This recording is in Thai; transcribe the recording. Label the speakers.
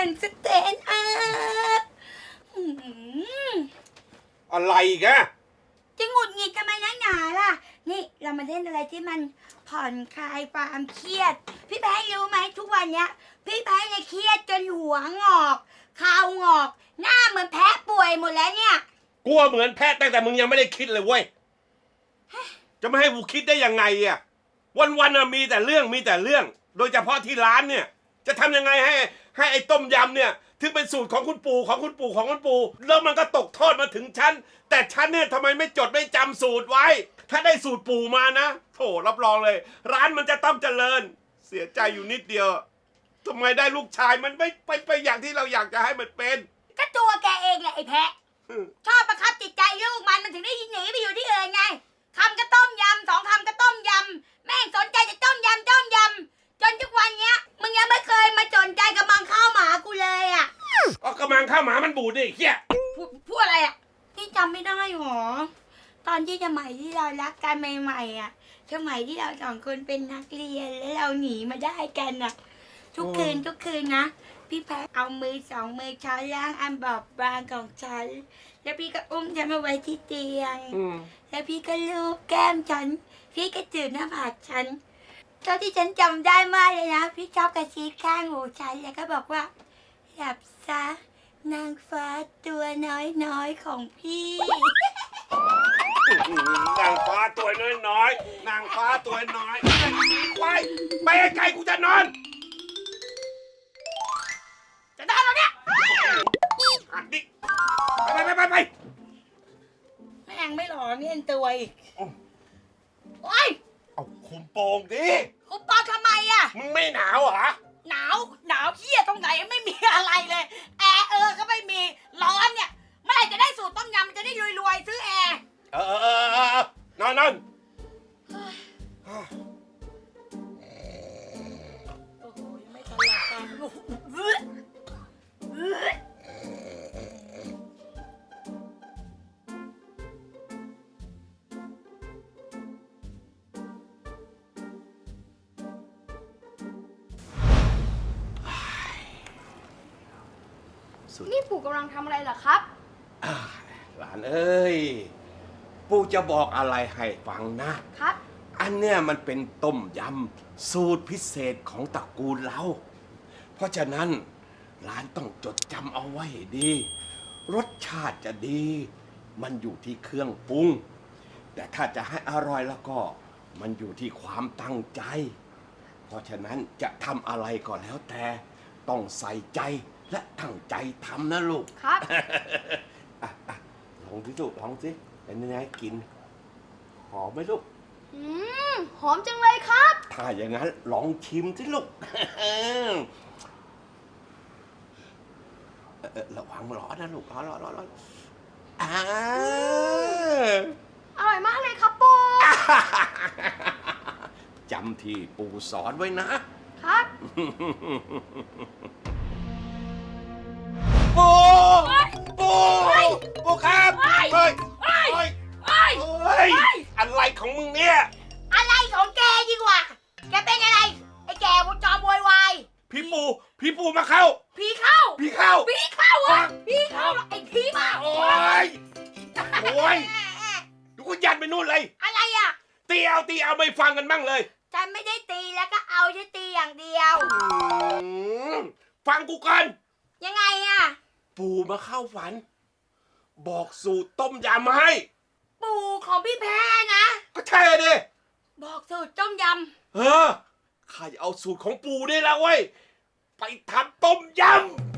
Speaker 1: นด์สแตนด์อัพ
Speaker 2: อะไรแก
Speaker 1: จะหงุดหงิดกันไหมนักหนาล่ะนี่เรามาเล่นอะไรที่มันผ่อนคลายความเครียดพี่แพ้รู้ไหมทุกวันเนี้ยพี่แพ้เนี่ยเครียดจนหัวงอกคางงอกหน้าเหมือนแพ้ป่วยหมดแล้วเนี่ย
Speaker 2: กลัวเหมือนแพทย์ตั้งแต่มึงยังไม่ได้คิดเลยเว้ยจะไม่ให้กูคิดได้ยังไงอ่ะวันๆมีแต่เรื่องโดยเฉพาะที่ร้านเนี่ยจะทำยังไงให้ไอ้ต้มยำเนี่ยถึงเป็นสูตรของคุณปู่แล้วมันก็ตกทอดมาถึงฉันแต่ฉันเนี่ยทำไมไม่จดไม่จำสูตรไว้ถ้าได้สูตรปู่มานะโถรับรองเลยร้านมันจะต้องเจริญเสียใจอยู่นิดเดียวทำไมได้ลูกชายมันไม่ไปอย่างที่เราอยากจะให้มันเป็น
Speaker 1: ก็ตัวแกเองแหละไอ้แพะชอบประคับจิตใจลูกมันถึงได้หนีไปอยู่ที่อื่นไงคำก็ต้มยำ2 คำก็ต้มยำแม่งสนใจจะต้มยำจนทุกวันเนี้ยมึงยังไม่เคยมาสนใจกับมังข้าวหมากูเลยอ่ะ
Speaker 2: ก็กำลังข้าวหมามันบูดดิเฮีย
Speaker 1: พูดอะไรอ่ะที่จำไม่ได้หรอตอนที่สมัยที่เรารักกันใหม่ๆอ่ะสมัยที่เรา2 คนเป็นนักเรียนแล้วเราหนีมาได้กันอ่ะทุกคืนนะพี่แพ้เอามือ2 มือช้อนล่างอันบอบบางของฉันแล้วพี่ก็อุ้มฉันมาไว้ที่เตียงแล้วพี่ก็ลูบแก้มฉันพี่ก็จืดหน้าผากฉันเท่าที่ฉันจำได้มากเลยนะพี่ชอบกระซิบข้างหูฉันแล้วก็บอกว่าหลับซะนางฟ้าตัวน้อยของพี่
Speaker 2: นางฟ้าตัวน้อยนางฟ้าตัวน้อยควายไปไกลกูจะนอน
Speaker 1: แล้วเนี่ย
Speaker 2: ดิไป
Speaker 1: แม่งไม่หล่อเนียนตัวอีกโอ๊ย
Speaker 2: เอาคุมโปงดิ
Speaker 1: คุมโปงทำไมอ่ะ
Speaker 2: มึงไม่หนาวเหรอ
Speaker 1: หนาวเหี้ยตรงไหนไม่มีอะไรเลยแอร์ก็ไม่มีร้อนเนี่ยเมื่อไหร่จะได้สูตรต้มยำมันจะได้รวยซื้อแอร์
Speaker 2: นอน
Speaker 1: โอ้โหยังไม่ทันหลับตา
Speaker 3: นี่ปู่กำลังทำอะไรเหรอครับ
Speaker 2: หลานเอ้ยปู่จะบอกอะไรให้ฟังนะครับอันเนี้ยมันเป็นต้มยำสูตรพิเศษของตระกูลเราเพราะฉะนั้นหลานต้องจดจำเอาไว้ให้ดีรสชาติจะดีมันอยู่ที่เครื่องปรุงแต่ถ้าจะให้อร่อยแล้วก็มันอยู่ที่ความตั้งใจเพราะฉะนั้นจะทำอะไรก็แล้วแต่ต้องใส่ใจและตั้งใจทำนะลูก
Speaker 3: ครับ
Speaker 2: ลองสิลูกลองสิเป็นยังไงกินหอมไหมลูก
Speaker 3: หอมจังเลยครับ
Speaker 2: ถ้าอย่างนั้นลองชิมสิลูกระวังร้อนนะลูกร้อน
Speaker 3: อร่อยมากเลยครับปู่
Speaker 2: จำที่ปู่สอนไว้
Speaker 3: นะครับ
Speaker 2: ปู่ครับเฮ้ยอะไรของมึงเนี่ย
Speaker 1: อะไรของแกดีกว่าแกเป็นอะไรไอ้แกจอมโวยวาย
Speaker 2: พี่ปู่มาเข้า
Speaker 1: ผีเข้า
Speaker 2: อ่ะผีเข้า
Speaker 1: ไอ้ผีมา
Speaker 2: โอ้ยดูก็ยันไปนู่นเลย
Speaker 1: อะไรอ่ะ
Speaker 2: ตีเอาไม่ฟังกันบ้างเลย
Speaker 1: ฉันไม่ได้ตีแล้วก็เอาจะตีอย่างเดียว
Speaker 2: ฟังกูก่อน
Speaker 1: ยังไงอ่ะ
Speaker 2: ปู่มาเข้าฝันบอกสูตรต้มยำมาให้
Speaker 1: ปู่ของพี่แพ้นะ
Speaker 2: ก็ใช่ดิ
Speaker 1: บอกสูตรต้มย
Speaker 2: ำข้าจะเอาสูตรของปู่นี่แหละเว้ยไปทำต้มยำ